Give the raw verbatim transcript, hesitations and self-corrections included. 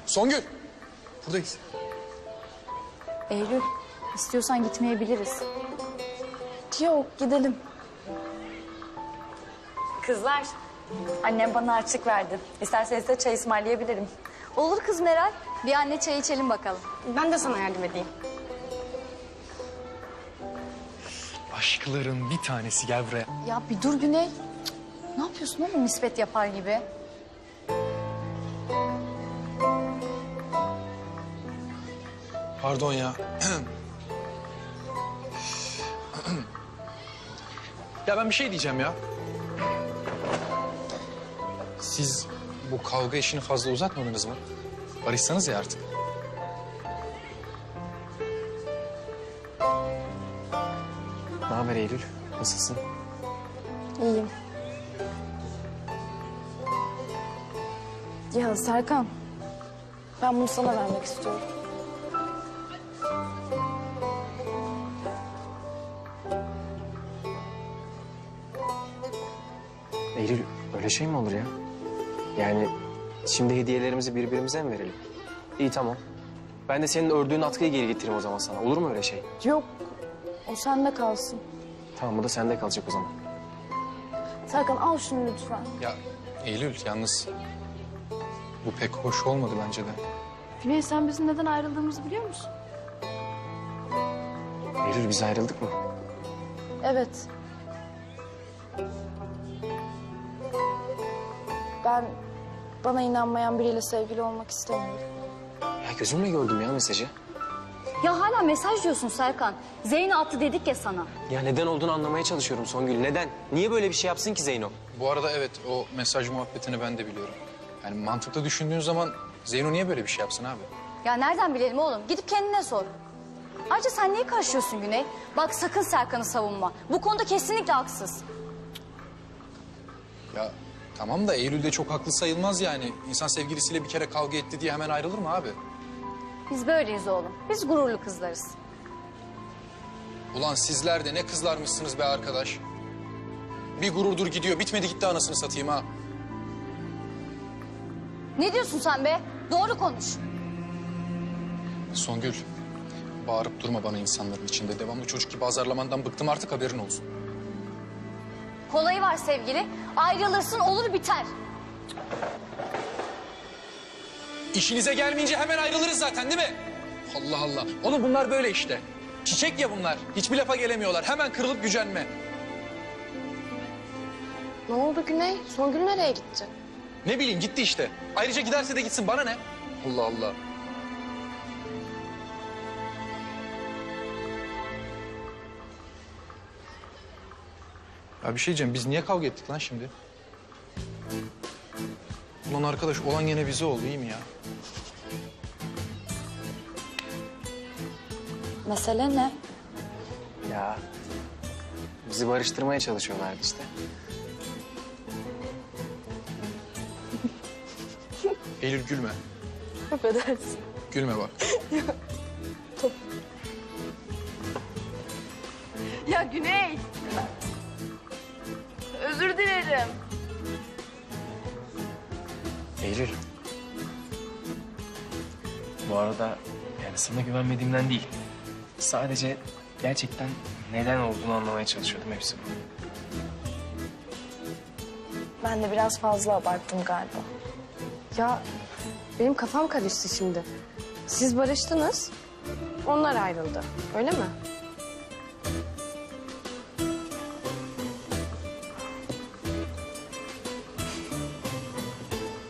Songül. Buradayız. Eylül, istiyorsan gitmeyebiliriz. Yok, gidelim. Kızlar, annem bana harçlık verdi. İsterseniz de çay ısmarlayabilirim. Olur kız Meral. Bir anne çay içelim bakalım. Ben de sana yardım edeyim. Aşkların bir tanesi, gel buraya. Ya bir dur Güney. Cık, ne yapıyorsun oğlum nispet yapar gibi? Pardon ya. Ya ben bir şey diyeceğim ya. Siz bu kavga işini fazla uzatmadınız mı? Barışsanız ya artık. Ne haber Eylül? Nasılsın? İyiyim. Ya Serkan, ben bunu sana vermek istiyorum. Eylül öyle şey mi olur ya? Yani şimdi hediyelerimizi birbirimize mi verelim? İyi tamam. Ben de senin ördüğün atkıyı geri getireyim o zaman sana. Olur mu öyle şey? Yok, o sende kalsın. Tamam bu da sende kalacak o zaman. Serkan al şunu lütfen. Ya Eylül yalnız bu pek hoş olmadı bence de. Güney sen bizim neden ayrıldığımızı biliyor musun? Eylül biz ayrıldık mı? Evet. Ben bana inanmayan biriyle sevgili olmak istemiyorum. Ya gözümle gördüm ya mesajı. Ya hala mesaj diyorsun Serkan. Zeyno attı dedik ya sana. Ya neden olduğunu anlamaya çalışıyorum Songül. Neden? Niye böyle bir şey yapsın ki Zeyno? Bu arada evet o mesaj muhabbetini ben de biliyorum. Yani mantıklı düşündüğün zaman Zeyno niye böyle bir şey yapsın abi? Ya nereden bilelim oğlum? Gidip kendine sor. Ayrıca sen niye karışıyorsun Güney? Bak sakın Serkan'ı savunma. Bu konuda kesinlikle haksız. Ya tamam da Eylül de çok haklı sayılmaz yani. İnsan sevgilisiyle bir kere kavga etti diye hemen ayrılır mı abi? Biz böyleyiz oğlum. Biz gururlu kızlarız. Ulan sizler de ne kızlarmışsınız be arkadaş. Bir gururdur gidiyor, bitmedi gitti anasını satayım ha. Ne diyorsun sen be? Doğru konuş. Songül, bağırıp durma bana insanların içinde. Devamlı çocuk gibi azarlamandan bıktım artık, haberin olsun. Kolayı var sevgili. Ayrılırsın olur biter. İşinize gelmeyince hemen ayrılırız zaten değil mi? Allah Allah. Oğlum bunlar böyle işte. Çiçek ya bunlar. Hiçbir lafa gelemiyorlar. Hemen kırılıp gücenme. Ne oldu Güney? Songül nereye gitti? Ne bileyim gitti işte. Ayrıca giderse de gitsin, bana ne? Allah Allah. Ya bir şey diyeceğim, biz niye kavga ettik lan şimdi? Ulan arkadaş, olan gene bize oldu, iyi mi ya? Mesele ne? Ya bizi barıştırmaya çalışıyorlardı işte. Eylül gülme. Affedersin. Gülme bak. Ya Güney! Özür dilerim. Eylül. Bu arada yani sana güvenmediğimden değil. Sadece gerçekten neden olduğunu anlamaya çalışıyordum, hepsi bu. Ben de biraz fazla abarttım galiba. Ya benim kafam karıştı şimdi. Siz barıştınız, onlar ayrıldı. Öyle mi?